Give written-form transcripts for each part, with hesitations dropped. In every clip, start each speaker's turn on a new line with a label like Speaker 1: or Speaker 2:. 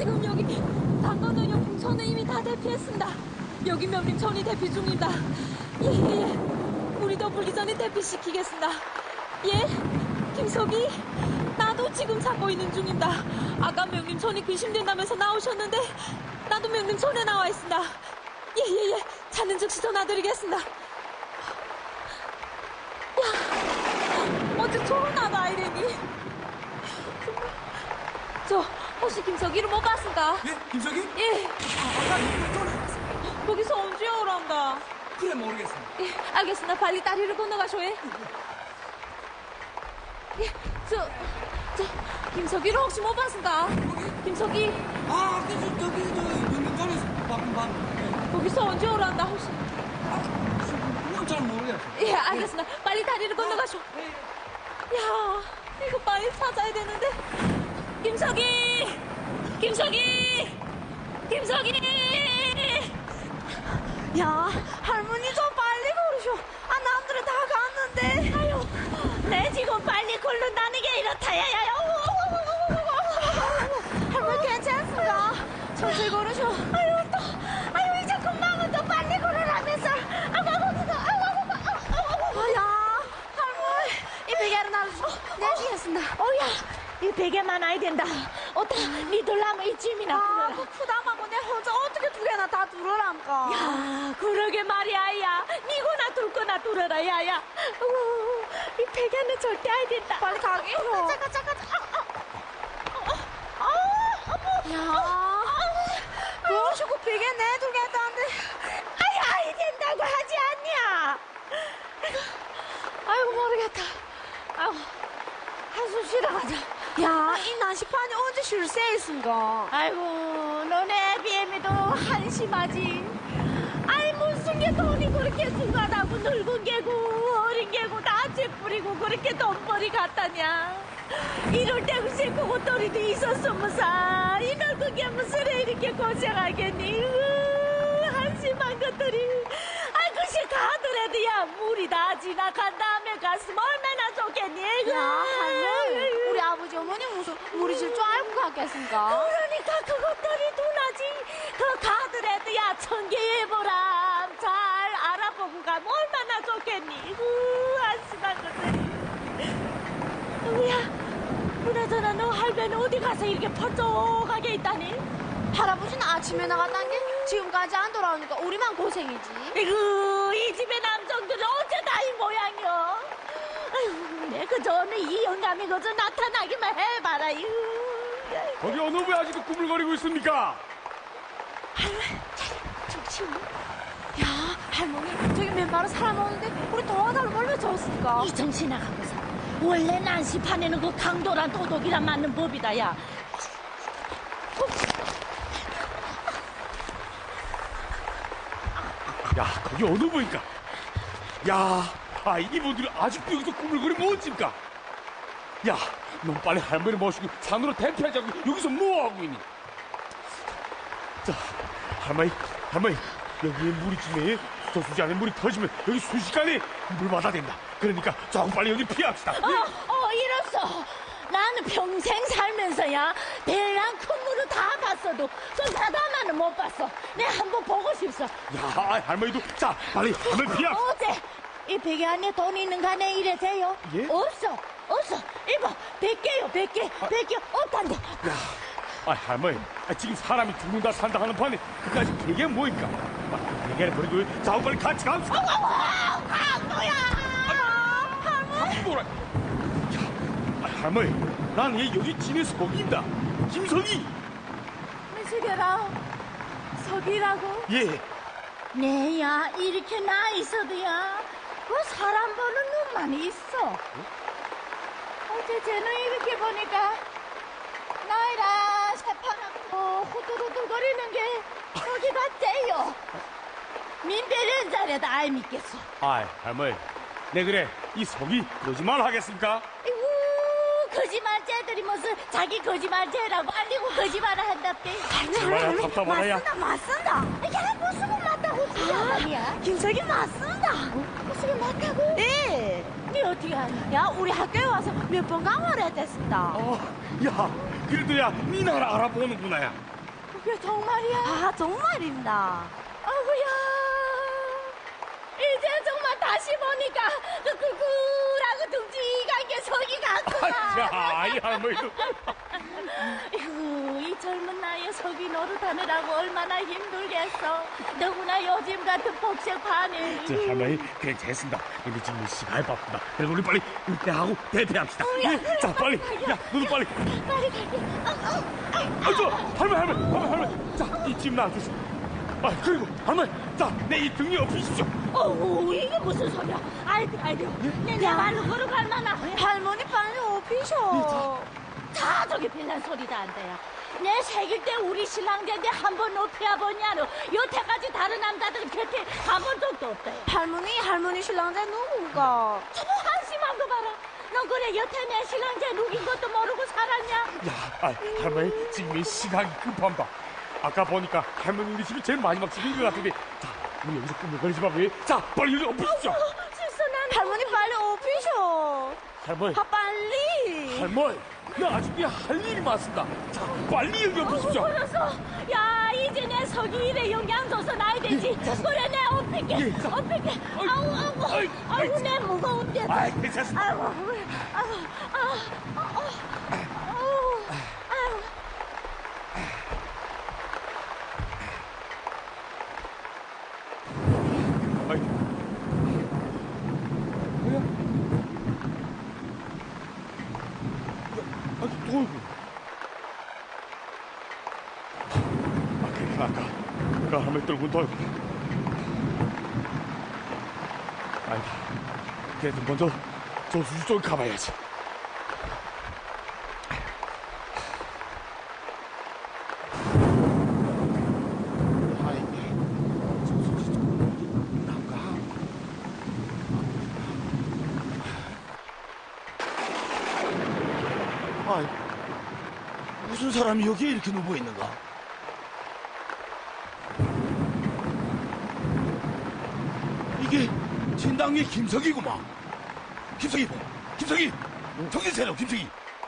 Speaker 1: 지금 여기 당건은요 풍천은 이미 다 대피했습니다. 여기 명림천이 대피 중입니다. 예. 우리도 불기 전에 대피시키겠습니다. 예? 김석이? 나도 지금 찾고 있는 중입니다. 아까 명림천이 귀신된다면서 나오셨는데 나도 명림천에 나와 있습니다. 예. 찾는 즉시 전화드리겠습니다. 야, 어째 초롱나도 아이래니? 저 혹시 김석이를 못 봤습니까?
Speaker 2: 예? 김석이?
Speaker 1: 예.
Speaker 2: 아까 전화했어.
Speaker 1: 거기서 언제 오란다?
Speaker 2: 그래 모르겠어.
Speaker 1: 예, 알겠습니다. 빨리 다리를 건너가쇼. 예, 저 김석이를 혹시 못 봤습니까? 김석이
Speaker 2: 아, 그래서 저기 명명전에서 방금 봤는데.
Speaker 1: 거기서 언제 오란다 혹시?
Speaker 2: 그건 잘 모르겠어.
Speaker 1: 예, 알겠습니다. 빨리 다리를 건너가쇼. 야, 이거 빨리 찾아야 되는데. 김석이! 야, 할머니 좀 빨리 걸으쇼. 아, 남들은 다 갔는데. 아유, 내 지금 빨리 걸른다는 게 이렇다야. 할머니 괜찮습니까? 천천히 걸으쇼. 아유, 이제 금방은 또 빨리 걸으라면서. 야, 할머니, 이 베개를 놔주쇼. 내 주겠습니다. 이 베개만 아야 된다. 어따, 니들라면 이 짐이나.
Speaker 3: 아, 그 푸담하고 내 혼자 어떻게 두 개나 다 두르란가.
Speaker 1: 야, 그러게 말이야, 야. 니거나 둘 거나 둘어라, 야야. 이 베개는 절대 안 된다.
Speaker 3: 빨리 가게.
Speaker 1: 잠깐.
Speaker 3: 야, 그러시고 베개 내두겠다는데.
Speaker 1: 아이 된다고 하지 않냐?
Speaker 3: 아이고, 모르겠다.
Speaker 1: 아이고, 한숨 쉬러 가자.
Speaker 3: 야, 이 난시판이 언제 쉴 새 있은가.
Speaker 1: 아이고, 너네 비엠이도 한심하지. 아이, 무슨 게 돈이 그렇게 숭하다고 늙은 게고, 어린 게고, 다 째뿌리고, 그렇게 돈벌이 같다냐. 이럴 때 글쎄 그것들이도 있었으면서, 이 늙은 게 무슨 애 이렇게 고생하겠니. 한심한 것들이. 아이, 글쎄 가더라도 야, 물이 다 지나간 다음에 갔으면 얼마나 좋겠니.
Speaker 3: 야, 할머니, 우리 아버지 어머니 무슨 우리 질 줄 알고 갔겠습니까?
Speaker 1: 그러니까 그것들이 둔하지. 그 가더라도 야 천계해보라. 잘 알아보고 가면 얼마나 좋겠니. 한심한 것들이. 누구야? 그나저나 너 할배는 어디 가서 이렇게 퍼쩍하게 있다니?
Speaker 3: 할아버지는 아침에 나갔다는 게 지금까지 안 돌아오니까 우리만 고생이지.
Speaker 1: 이구, 이 집의 남정들은 어째 다 이 모양이여. 아유, 내 그전에 이 영감이 그저 나타나기만 해봐라. 이구.
Speaker 4: 거기 어느 분 아직도 꾸물거리고 있습니까?
Speaker 3: 야, 할머니, 저기 맨발로 사람 오는데 우리 도와달라고 얼마나 좋았을까?
Speaker 1: 이 정신 나가고서 원래 난시판에는 그 강도란 도덕이란 맞는 법이다. 야,
Speaker 4: 야, 거기 어느 분인가? 야, 이분들이 아직도 여기서 꾸물거리면 어찌입니까? 야, 넌 빨리 할머니 모시고 산으로 대피하자고 여기서 뭐하고 있니? 자, 할머니, 여기에 물이 지네. 저수지 안에 물이 터지면 여기 순식간에 물마다 된다. 그러니까 조금 빨리 여기 피합시다.
Speaker 1: 이랬어. 나는 평생 살면서야 배랑 큰 물을 다 봤어도 저 사다마는 못 봤어. 내가 한번 보고 싶어.
Speaker 4: 야, 할머니도 자, 빨리 할머니 피합.
Speaker 1: 어제 이 베개 안에 돈 있는 간에 이래 돼요?
Speaker 4: 예?
Speaker 1: 없어. 이봐, 100개요. 100개 없단다.
Speaker 4: 야, 할머니, 지금 사람이 죽는다 산다 하는 판에 그까지 베개 뭐입니까? 베개를 버리고 자고 빨리 같이 갑시다.
Speaker 1: 강도야!
Speaker 4: 뭐라? 야, 할머니, 난 얘 여기 지네 석이다. 김석이.
Speaker 1: 미숙여라, 석이라고?
Speaker 4: 예.
Speaker 1: 네야, 이렇게 나 있어도야, 그 사람 보는 눈만 있어. 어제 쟤는 이렇게 보니까, 나이라 새파랗고 후들후들거리는 게 저기가 째요. 민배는 자래도 알 믿겠어.
Speaker 4: 할머니, 네 그래, 이 석이 거짓말 하겠습니까?
Speaker 1: 거짓말쟁이들이 무슨 자기 거짓말쟁이라고 알리고 거짓말을 한답대.
Speaker 4: 정말 답답하다, 야.
Speaker 3: 맞습니다.
Speaker 1: 야, 무슨 맞다고 지금 아니야?
Speaker 3: 김석이 맞습니다.
Speaker 1: 무슨 맞다고?
Speaker 3: 네.
Speaker 1: 니 어떻게 하냐?
Speaker 3: 야, 우리 학교에 와서 몇 번 강화를 했댔습니다.
Speaker 4: 야, 그래도 야, 니 나라 알아보는구나, 야.
Speaker 1: 그게 정말이야?
Speaker 3: 아, 정말입니다.
Speaker 1: 아구야. 이제 정말 다시 보니까 그 꿀꿀하고 둥직한 게 저기 같구나.
Speaker 4: 야, 이 할머니도.
Speaker 1: 이구, 이 젊은 나이에 서기 노릇하느라고 얼마나 힘들겠어. 너구나 요즘 같은 복잡하네.
Speaker 4: 저 할머니, 그래, 됐습니다. 근데 지금 시간이 바쁘다. 그래서 우리 빨리 은퇴하고 대퇴합시다. 예, 자, 빨리. 야, 너도 빨리.
Speaker 1: 빨리 갈게.
Speaker 4: 아, 저, 할머니. 자, 이 집 놔주시오. 아, 그리고, 할머니. 자, 내 이 등에 엎으십시오.
Speaker 1: 어우, 이게 무슨 소리야. 아이고. 내 말로 걸어갈 만한.
Speaker 3: 할머니 빨리 오피셔.
Speaker 1: 다 저기 빌란 소리도 안 돼요. 내 새길 때 우리 신랑제인데 한 번 높이야 보냐노. 여태까지 다른 남자들 곁에 가본 적도 없대요.
Speaker 3: 할머니 신랑자 누군가?
Speaker 1: 저거 한심한 거 봐라. 너 그래 여태 내 신랑제 누긴 것도 모르고 살았냐?
Speaker 4: 야, 할머니, 지금 이 시간이 급합니다. 아까 보니까 할머니 우리 집이 제일 마지막 집인 것 같은데. 자, 우리 여기서 꾸물거리지 말고. 자, 빨리 여기 엎으십시오.
Speaker 1: 실수난
Speaker 3: 할머니 빨리 오피셔.
Speaker 4: 할머니.
Speaker 3: 빨리.
Speaker 4: 할머니, 나 아직도 할 일이 많습니다. 자, 빨리 여기 엎으십시오.
Speaker 1: 그래서 야 이제 내 서기 일에 영향 줘서 나야 되지. 그래 내 엎을게.
Speaker 4: 예, 자.
Speaker 1: 아우 내 무거운데.
Speaker 4: 아이, 괜찮습니다. 아이. 뭐야? 또. 그래, 아까 그 할머니 떨고 돌고. 아니다. 그래도 먼저 조수수 쪽 가봐야지.
Speaker 5: 아이, 무슨 사람이 여기에 이렇게 누워 있는가? 이게 진당의 김석이구만. 김석이, 정신 차려, 김석이.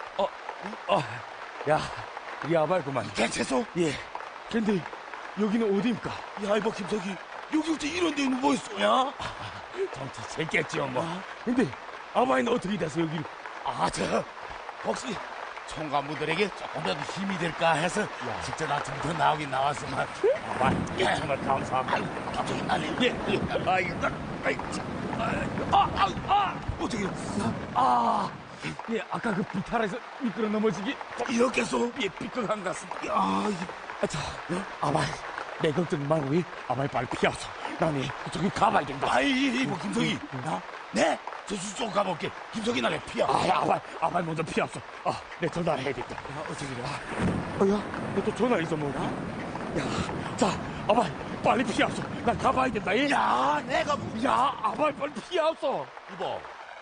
Speaker 4: 야, 이 아발구만.
Speaker 5: 괜찮소?
Speaker 4: 예. 근데 여기는 어디입니까?
Speaker 5: 야, 이봐, 김석이. 여기 어째 이런 데 누워 있어야?
Speaker 4: 정치 재겠지요, 뭐. 근데 아바이는 어떻게 돼서 여기를?
Speaker 5: 혹시 총관부들에게 조금이라도 힘이 될까 해서 직접 아침부터 나오긴 나왔지만
Speaker 4: 정말 감사합니다.
Speaker 5: 갑자기 날리 어떻게
Speaker 4: 예, 아까 그 비탈에서 미끄러 넘어지기
Speaker 5: 이렇게서
Speaker 4: 예, 삐끗한 것 같습니다.
Speaker 5: 야,
Speaker 4: 자, 아바이, 내 걱정 말고 아바이 빨리 피하소. 나는 저기 가봐야 된다.
Speaker 5: 뭐 김석이 네? 저수 쪽 가볼게. 김석이 나래 피야.
Speaker 4: 아바이 먼저 피하소. 내 전화를 해야 된다.
Speaker 5: 어떻게 돼?
Speaker 4: 야, 너 또 전화 잊어먹었나? 야, 자, 아바이, 빨리 피하소. 난 가봐야 된다. 예?
Speaker 5: 야, 내가
Speaker 4: 야, 아바이 빨리 피하소.
Speaker 5: 이봐.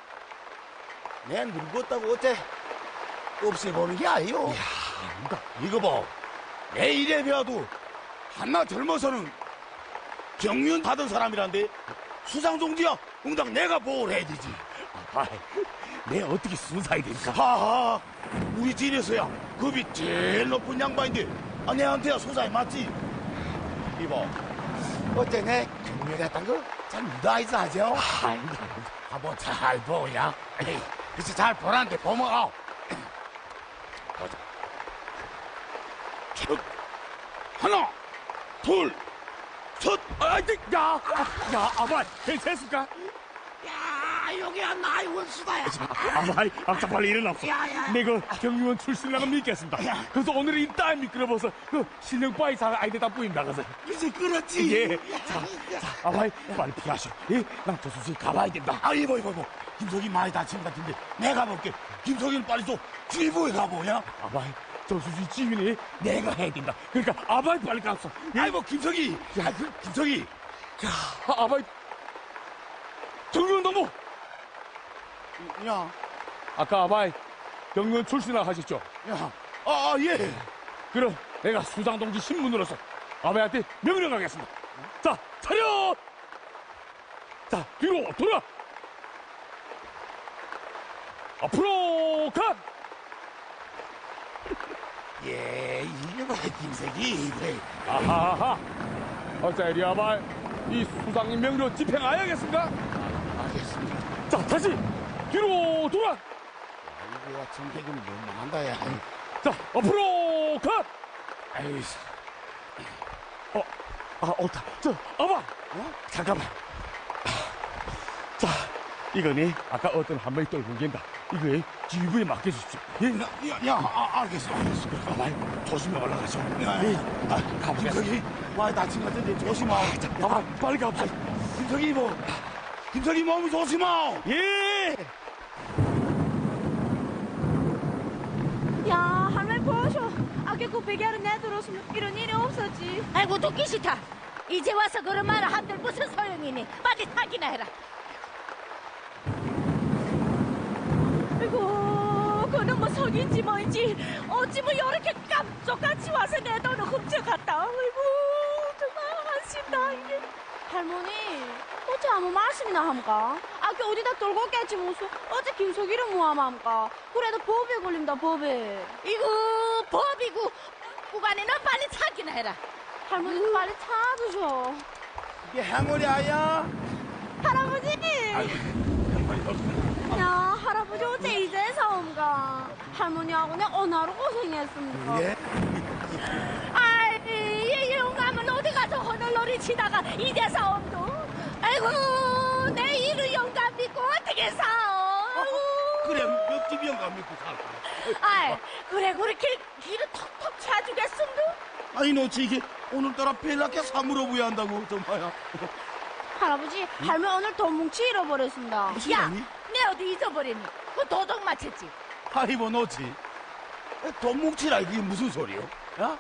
Speaker 5: 내 늙었다고 어째 없애보는 게 아니요.
Speaker 4: 야,
Speaker 5: 이거 봐. 내 일에 배워도 한나 젊어서는 경륜 받은 사람이란데 수상종지야. 응당 내가 보호를 해야 되지.
Speaker 4: 아바이, 내 어떻게 순사이 됩니까?
Speaker 5: 하하. 우리 집에서야 급이 제일 높은 양반인데 내한테야 소사이 맞지? 이봐. 어째 내 경륜 같은 거 잘 믿어야지 하죠? 한번 잘 보야. 그치 잘 보란데 보면 보자. 하나, 둘, 셋.
Speaker 4: 야, 아바이, 괜찮습니까?
Speaker 5: 야, 여기야 나의 원수다야.
Speaker 4: 아바이, 자 빨리 일어나소. 내가 경유원 출신이라고 믿겠습니다. 그래서 오늘 이 딸 미끄러워서 그 실력바위 사는 아이들 다 뿌린다 그래서.
Speaker 5: 이제 그렇지.
Speaker 4: 예. 자, 아바이, 빨리 피하시오. 예, 난 조수씨 가봐야 된다.
Speaker 5: 이봐. 김석이 많이 다친 것 같은데 내가 볼게. 김석이는 빨리 좀 주의보에 가보냐?
Speaker 4: 아바이, 조수씨 지휘는 내가 해야 된다. 그러니까 아바이 빨리 가소.
Speaker 5: 김석이. 김석이.
Speaker 4: 아바이, 경유원 너무.
Speaker 5: 야.
Speaker 4: 아까 아바이 경유원 출신이라고 하셨죠?
Speaker 5: 예.
Speaker 4: 그럼 내가 수장동지 신문으로서 아바이한테 명령하겠습니다. 자, 차렷! 자, 뒤로 돌아! 앞으로 가!
Speaker 5: 예, 이게 뭐 김석이. 그래.
Speaker 4: 아하하. 어자 이리 와봐. 이 수상인 명령 집행하여야겠습니까?
Speaker 5: 알겠습니다.
Speaker 4: 자, 다시 뒤로 돌아.
Speaker 5: 이거 같은 개그는 너무한다, 야.
Speaker 4: 자, 앞으로 가.
Speaker 5: 아유,
Speaker 4: 옳다. 저, 아봐. 잠깐만. 자, 이거니 아까 어떤 한 명이 떨고 간다. 이거에 지휘부에 맡겨주십시오. 예?
Speaker 5: 알겠어. 가만, 조심히 올라가죠. 가보겠습니다. 김석이, 많이 다친 것 같은데 조심하.
Speaker 4: 자, 아봐, 빨리 가보자.
Speaker 5: 김석이 몸이 조심하.
Speaker 4: 예!
Speaker 3: 야, 할머니 보셔. 아까 그 베개를 내들었으면 이런 일이 없었지.
Speaker 1: 아이고 듣기 싫다. 이제 와서 그런 말을 한들 무슨 소용이니? 빨리 타기나 해라.
Speaker 3: 아이고, 그는 뭐 석인지 뭐인지 어찌 뭐 이렇게 깜짝같이 와서 내 돈을 훔쳐갔다. 아이고, 정말 한심다 이게. 할머니, 어째 아무 말씀이나 함까? 아까 어디다 떨고 깼지 무슨 어째 김석이를 뭐함까? 그래도 법에 걸린다 법에.
Speaker 1: 이거 법이고 구간에 너 빨리 타기나 해라.
Speaker 3: 할머니 빨리 찾으셔.
Speaker 5: 이게 행운이 아야?
Speaker 3: 할아버지! 야, 할아버지 어째 이제서 온가? 할머니하고 내 어느 하루 고생했습니까?
Speaker 5: 예?
Speaker 1: 아이 이 영감은 어디 가서 허널놀이 치다가 이제서 온도. 아이고 내 이를 영감 믿고 어떻게 사오.
Speaker 5: 그래, 몇 집이 영감 믿고 살까?
Speaker 1: 아이 그래 그렇게 길을 턱턱 차주겠음도.
Speaker 5: 아니, 너 이게 오늘따라 벨라게 사물어 부야 한다고, 정말야.
Speaker 3: 할아버지, 할머니 오늘 돈 뭉치 잃어버렸습니다.
Speaker 5: 무슨
Speaker 1: 야,
Speaker 5: 일이니?
Speaker 1: 내 어디 잊어버리니? 그 도둑 맞췄지?
Speaker 5: 아이고, 너지. 돈 뭉치라, 이게 무슨 소리요? 야?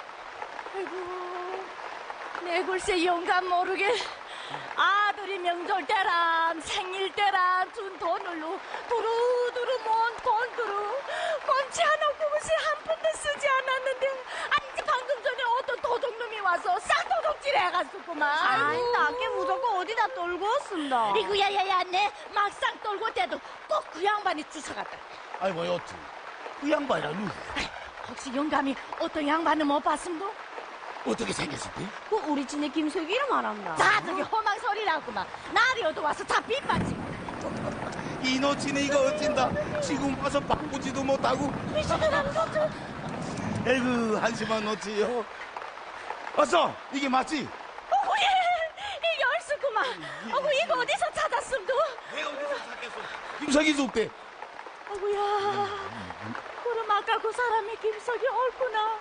Speaker 1: 아이고, 내 글쎄 영감 모르게 아들이 명절 때랑 생일 때랑 준 돈으로 두루두루 모은 돈으로 꼼치 하나 그것이 한 푼도 쓰지 않았는데 아니 방금 전에 어떤 도둑놈이 와서 쌍도둑질 해갔었구만.
Speaker 3: 아이, 나게 무조건 어디다 떨고 왔습니다.
Speaker 1: 이거 야야야 내 막상 떨고 때도 꼭 그 양반이 주워갔다.
Speaker 5: 아이고, 여튼. 그 양반이라, 누구?
Speaker 1: 혹시 영감이 어떤 양반을 못 봤음도?
Speaker 5: 어떻게 생겼을 때?
Speaker 3: 그 우리 집의 김석이를 말합니다.
Speaker 1: 자 저기 험한 소리라구만. 날이 어두 와서 다 빗받지.
Speaker 5: 이 노치는 이거 어찐다. 지금 와서 바꾸지도 못하고.
Speaker 1: 미친놈 것들.
Speaker 5: 에이구, 한심한 노치요. 어서, 이게 맞지?
Speaker 1: 어구예 이게 얼쑤구만. 어구 이거 어디서 찾았음도?
Speaker 5: 내가 어디서 찾겠어? 김석이 줬대.
Speaker 1: 어구야 그럼 아까 그 사람이 김석이 옳구나.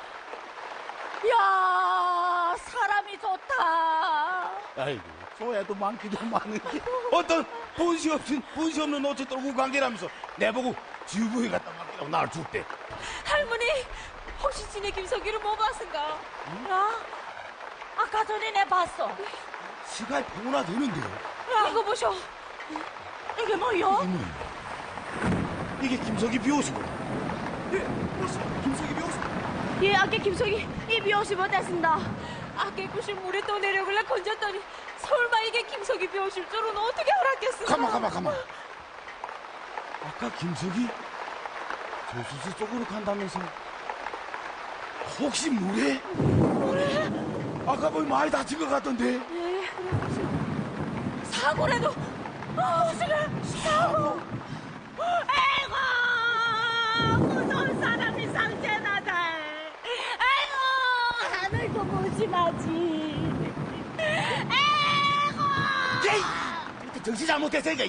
Speaker 1: 야 사람이 좋다.
Speaker 5: 아이고, 소야도 많기도 많은데. 어떤 본시 없는 노치 떨고 관계라면서 내보고 지휘부에 갖다 맡기라고 나를 줬대.
Speaker 1: 할머니 혹시 지네 김석이를 못 봤은가? 야 아까 전에 내 봤어.
Speaker 5: 시간이 100원나 되는데.
Speaker 1: 야 이거 보셔. 이게 뭐요?
Speaker 5: 이게 김석이 비옷이고. 예, 벌써 김석이 비옷.
Speaker 3: 예, 아까 김석이 입이 50원 됐습니다.
Speaker 1: 아까 구실 물에 떠내려길래 건졌더니 설마 이게 김석이 비오실 줄은 어떻게 알았겠어?
Speaker 5: 가만. 아까 김석이 조수수 쪽으로 간다면서 혹시 물에? 아까 보니 많이 다친 것 같던데.
Speaker 1: 사고라도 무슨 사고? 아이고 무서운 사람이 상제나다. 아이고 하늘도 보지 마지. 아이고
Speaker 5: 에이! 정신 잘못했으니까.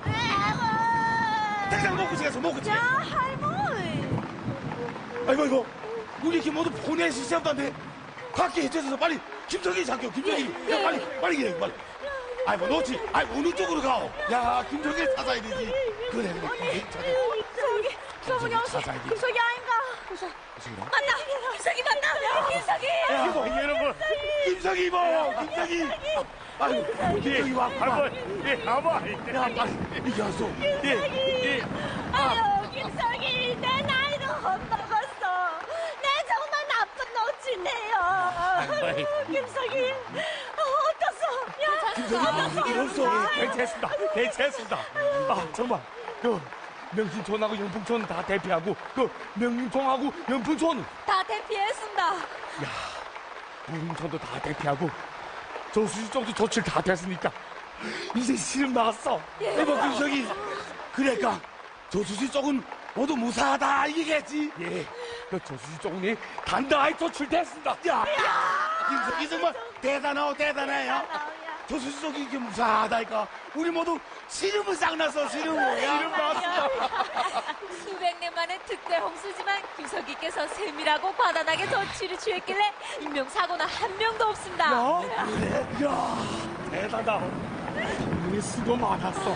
Speaker 1: 아이고
Speaker 5: 당장 먹고 시가서 먹고 지.
Speaker 3: 야, 할머니.
Speaker 5: 아이고. 우리 이렇게 모두 보낼 수 있었던데. 각기 해쳐서 빨리 김석이 잡혀. 김석이. 야, 빨리. 아이고, 너지. 아이고, 어느 쪽으로 가오? 야, 김석이를 찾아야 되지. 그래. 찾아.
Speaker 3: 저기, 저분이 혹시
Speaker 5: 찾아야 돼.
Speaker 3: 김석이 아닌가?
Speaker 1: 맞다. 김석이 맞다. 김석이.
Speaker 4: 여러분.
Speaker 5: 김석이 입어. 김석이. 아이고, 김석이 와.
Speaker 4: 할머니, 예, 아봐.
Speaker 5: 야, 빨리. 이게 왔어.
Speaker 4: 예.
Speaker 1: 아유 김석이 내 나이를 헛먹었어. 내 정말 나쁜 노치네요. 김석이 어떻소? 야
Speaker 5: 김석이 없어.
Speaker 4: 괜찮습니다. 아, 정말. 명신촌하고 영풍촌 다 대피하고 그 명림촌하고 영풍촌
Speaker 3: 다 대피했습니다.
Speaker 4: 야 무림촌도 다 대피하고 저수지 쪽도 조치를 다 됐으니까 이제 시름 나왔어.
Speaker 5: 이봐 김석이 그러니까 조수지 쪽은 모두 무사하다 이게겠지.
Speaker 4: 예, 그 저수지 쪽은 단단히 조출됐습니다.
Speaker 5: 야 김석이 정말 대단하고 대단해요. 조수지 쪽이 이렇게 무사하다니까 우리 모두 시름을 싹 났어 시름을.
Speaker 4: 시름 나왔습니다.
Speaker 3: 수백 년 만에 특대 홍수지만 김석기께서 세밀하고 과단하게 조치를 취했길래 인명사고는 한 명도 없습니다.
Speaker 4: 야, 대단하다. 우리 수고 많았어.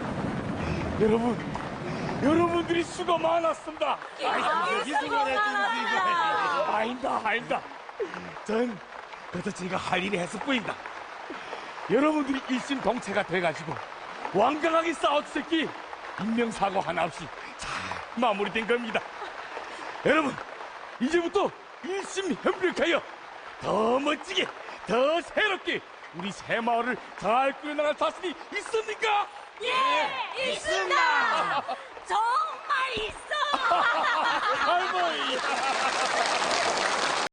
Speaker 4: 여러분들이 수고 많았습니다.
Speaker 3: 수고 많았습니다.
Speaker 4: 아니다. 전 그래도 제가 할 일이 했을 뿐이다. 여러분들이 일심동체가 돼가지고 완강하게 싸워주셨기 인명사고 하나 없이 잘 마무리된 겁니다. 여러분, 이제부터 일심협력하여 더 멋지게, 더 새롭게 우리 새마을을 잘 꾸려나갈 자신이 있습니까?
Speaker 3: 예, 있습니다. 정말 있어.
Speaker 4: 할머니.